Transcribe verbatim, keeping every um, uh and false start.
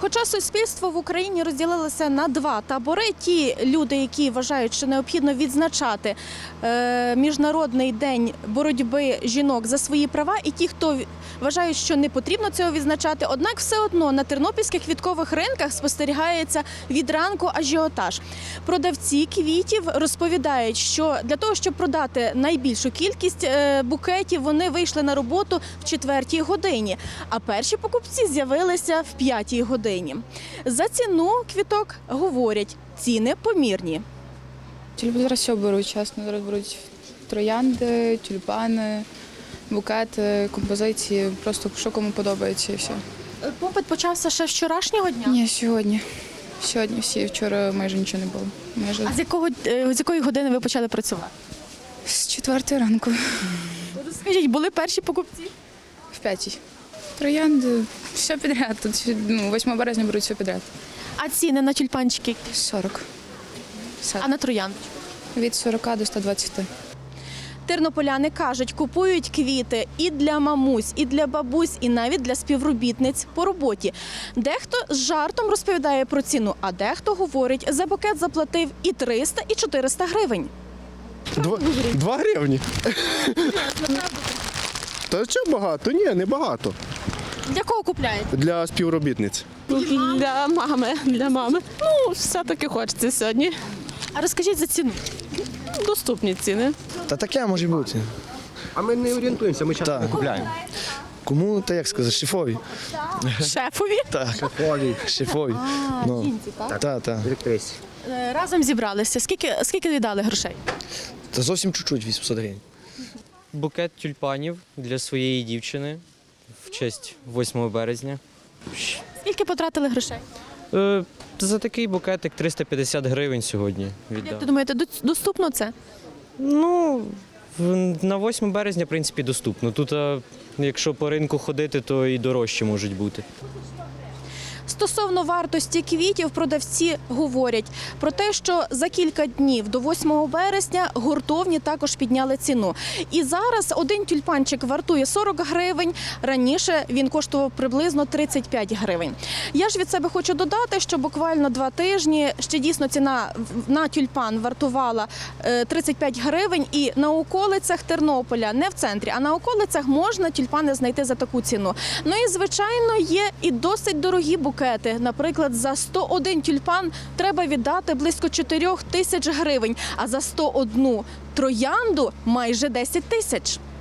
Хоча суспільство в Україні розділилося на два табори. Ті люди, які вважають, що необхідно відзначати е, Міжнародний день боротьби жінок за свої права, і ті, хто вважають, що не потрібно цього відзначати. Однак все одно на тернопільських квіткових ринках спостерігається від ранку ажіотаж. Продавці квітів розповідають, що для того, щоб продати найбільшу кількість е, букетів, вони вийшли на роботу в четвертій годині, а перші покупці з'явилися в п'ятій годині. За ціну квіток говорять, ціни помірні. Люди зараз все беруть, чесно, зараз беруть троянди, тюльпани, букети, композиції, просто що кому подобається і все. Попит почався ще з вчорашнього дня? Ні, сьогодні. Сьогодні всі, вчора майже нічого не було. Майже А з якого, е, з якої години ви почали працювати? з четвертої ранку, Скажіть, були перші покупці? в п'ятій. Троянди, все підряд. Тут ну, восьмого березня беруть все підряд. А ціни на тюльпанчики? сорок. Все. А на трояндочку? Від сорока до ста двадцяти. Тернополяни кажуть, купують квіти і для мамусь, і для бабусь, і навіть для співробітниць по роботі. Дехто з жартом розповідає про ціну, а дехто говорить, за букет заплатив і триста, і чотириста гривень. Два, два гривні. Та що багато? Ні, не багато. Для кого купляєте? Для співробітниць. Для мами, для мами. Ну, все-таки хочеться сьогодні. А розкажіть за ціну. Доступні ціни. Та таке може бути. А ми не орієнтуємося, ми часто Так. не купляємо. Кому, та як сказати, шефові. Шефові? Так, Олі, шефові. Ну, жінці, так? та, та. директрисі. Е, Разом зібралися. Скільки, скільки віддали грошей? Та зовсім чуть-чуть, вісімсот гривень. Букет тюльпанів для своєї дівчини в честь восьмого березня. Скільки потратили грошей? Е, за такий букетик триста п'ятдесят гривень сьогодні Як віддав. ти думаєте, дос- доступно це? Ну, в- на восьме березня, в принципі, доступно. Тут, а, якщо по ринку ходити, то і дорожче можуть бути. Стосовно вартості квітів, продавці говорять про те, що за кілька днів до восьмого березня гуртовні також підняли ціну. І зараз один тюльпанчик вартує сорок гривень, раніше він коштував приблизно тридцять п'ять гривень. Я ж від себе хочу додати, що буквально два тижні ще дійсно ціна на тюльпан вартувала е, тридцять п'ять гривень, і на околицях Тернополя, не в центрі, а на околицях можна тюльпани знайти за таку ціну. Ну і, звичайно, є і досить дорогі букети. Наприклад, за сто один тюльпан треба віддати близько чотирьох тисяч гривень, а за сто одну троянду – майже десять тисяч.